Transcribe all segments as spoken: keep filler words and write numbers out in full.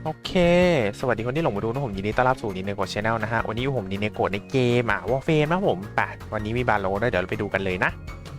โอเคสวัสดีคนที่หลงมาดูนะผมยินดีต้อนรับสู่นิเนโกะชาแนลนะฮะวันนี้อยู่ผมนิเนโกะในเกมอ่ะวอลเฟนนะผมไปวันนี้มีบาโลด้วยเดี๋ยวเราไปดูกันเลยนะ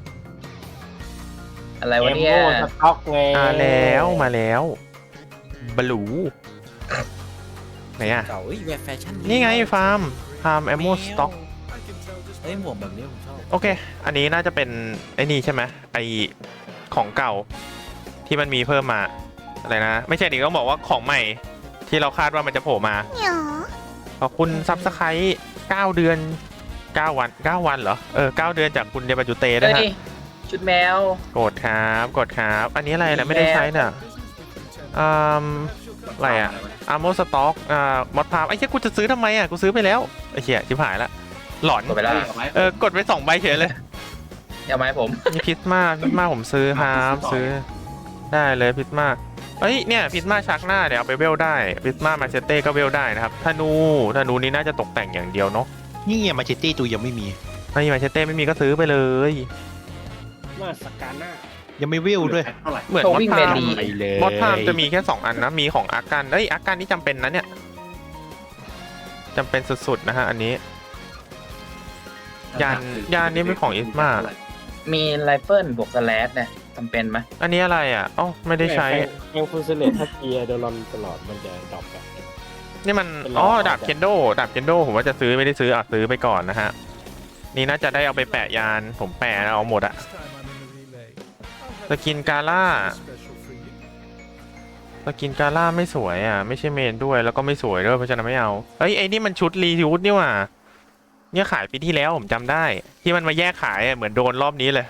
อะไรวะเอมเนี่ยโม่สต็อกไงมาแล้วมาแล้วบลูไหนอ่ะเก่าเอ้ยแบบแฟชั่นนี่ไงฟาร์มฟาร์มแอมโมสต็อกเอ้ยหมวกแบบนี้ผมชอบโอเคอันนี้น่าจะเป็นไอ้นี่ใช่ไหมไอของเก่าที่มันมีเพิ่มมาอะไรนะไม่ใช่ดิต้องบอกว่าของใหม่ที่เราคาดว่ามันจะโผล่มาขอบคุณซับสไครต์เก้าเดือนเก้าวันเก้าวันเหรอเออเก้าเดือนจากคุณเดบัจูเต้ด้วยเฮ้ยฮะชุดแมวกดครับกดครับอันนี้อะไรนะไม่ได้ใช้น่ะอืมอะไรอะอาร์โมสต็อกอ่ามอดพามไอ้เหี้ยกูจะซื้อทำไมอะกูซื้อไปแล้วไอ้เหี้ยชิบหายละหลอนกดไปแล้วเออกดไปสองใบเฉยเลยเอาไหมาให้ผมมีพิซมาพิซมาผมซื้อครับซื้อได้เลยพิซมาเอ้ยเนี่ยพิซมาชักหน้าเดี๋ยวเอาไปเวลได้พิซมามาเชเต้ก็เวลได้นะครับธนูธนูนี้น่าจะตกแต่งอย่างเดียวเนาะนี่ไงมาเชตตี้ตัวยังไม่มีไม่มีมาเชเต้ไม่มีก็ซื้อไปเลยมาสกาน่ายังไม่วิวด้วยเหมือนโชมอดวิ่งพาเมมลีไปเลยมอดพามจะมีแค่สองอันนะมีของอาการเอ้ยอาการนี่จำเป็นนะเนี่ยจำเป็นสุดๆนะฮะอันนี้ยานยานนี้เป็นของอิสมามีไรเฟิลบวกสแลชเนี่ยจำเป็นไหมอันนี้อะไรอ่ะอ๋อไม่ได้ใช้เอ็งฟูเซเลตถ้าเกียร์โดรอนตลอดมันจะดรอปแบบนี่มันเป็นรอยอ๋อออกดาบเคนโดดาบเคนโดผมว่าจะซื้อไม่ได้ซื้ออ่ะซื้อไปก่อนนะฮะนี่น่าจะได้เอาไปแปะยานผมแปะเอาหมดอะสกินกาล่าสกินกาล่าไม่สวยอ่ะไม่ใช่เมนด้วยแล้วก็ไม่สวยด้วยเพราะฉะนั้นไม่เอาเฮ้ยไอ้นี่มันชุดรีทิวนี่หว่าเนี่ยขายปีที่แล้วผมจำได้ ที่มันมาแยกขายอะเหมือนโดนรอบนี้เลย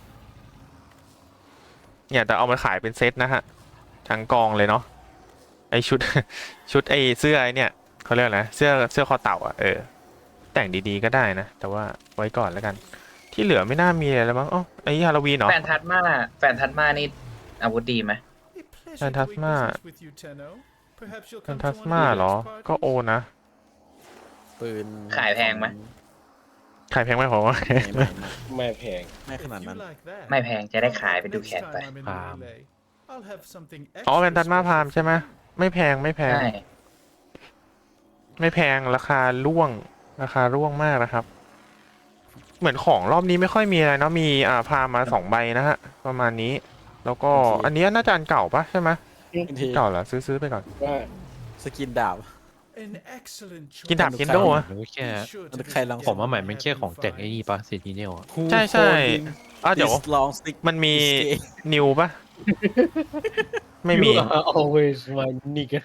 เนี่ยแต่เอามาขายเป็นเซตนะฮะทั้งกองเลยเนาะไอชุด ชุดไอเสื้อไอเนี่ยเขาเรียกอะไรนะเสื้อเสื้อคอเต่าอ่ะเออแต่งดีๆก็ได้นะแต่ว่าไว้ก่อนแล้วกัน ที่เหลือไม่น่ามีอะไรแล้วมั้งอ๋อไอฮาโลวีนเหรอแฟนทัสมาแฟนทัสมานี่อาวุธดีไหมแฟนทัสมาแฟนทัสมาเหรอก็โอนะปืนขายแพงไหมขายแพงไหมผมว่าไม่ไม่ไม่ไม่แพงไม่ขนาดนั้นไม่แพงจะได้ขายไปดูแขนไปพามอ๋อแฟนทัสมาพามใช่ไหมไม่แพงไม่แพงใช่ไม่แพงราคาร่วงราคาร่วงมากนะครับ เหมือนของรอบนี้ไม่ค่อยมีอะไรเนาะมีอ่าพามาสองใบนะฮะประมาณนี้ แล้วก็อันนี้น่าจะอันเก่าปะใช่ไหมทีเก่าเหรอซื้อซื้อไปก่อนว่าสกินดาบกินดาบเคนโดอะหรือแค่ใครลองผมว่าใหม่มันแค่ของแต่งไอ้นี่ปะเซนติเนลอะใช่ใช่อ่ะเดี๋ยวลองสติ๊กมันมีนิวปะไม่มี always my nigga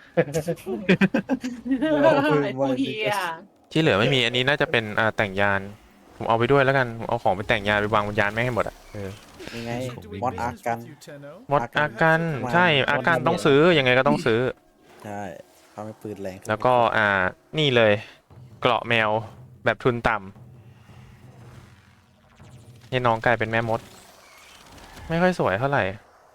ที่เหลือไม่มีอันนี้น่าจะเป็นอ่าแต่งยานผมเอาไปด้วยแล้วกันผมเอาของไปแต่งยานไปวางบนยานไม่งให้หมดอ่ะเออยังไงมอดอาร์กันมดอากันใช่อากันต้องซื้อยังไงก็ต้องซื้อใช่ทำให้ปืนแรงขึ้นแล้วก็อ่านี่เลย เกราะแมวแบบทุนต่ำนี่น้องกลายเป็นแม่มด ไม่ค่อยสวยเท่าไหร่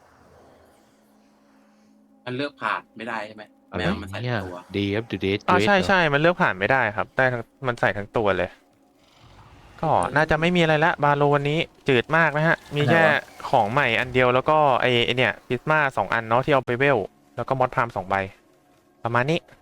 มันเลือกผ่านไม่ได้ใช่ไหมอะไรแมวมันใส่เนี่ยตัวเดฟดูเดทอ๋อใช่ใช่มันเลือกผ่านไม่ได้ครับ ได้ทั้งมันใส่ทั้งตัวเลย ก็น่าจะไม่มีอะไรละบาโลวันนี้จืดมากนะฮะ มีแค่ของใหม่อันเดียวแล้วก็ไอไอเนี่ยพิสมาสองอันเนาะที่เอาไปเวล แล้วก็มอดพามสองใบ ประมาณนี้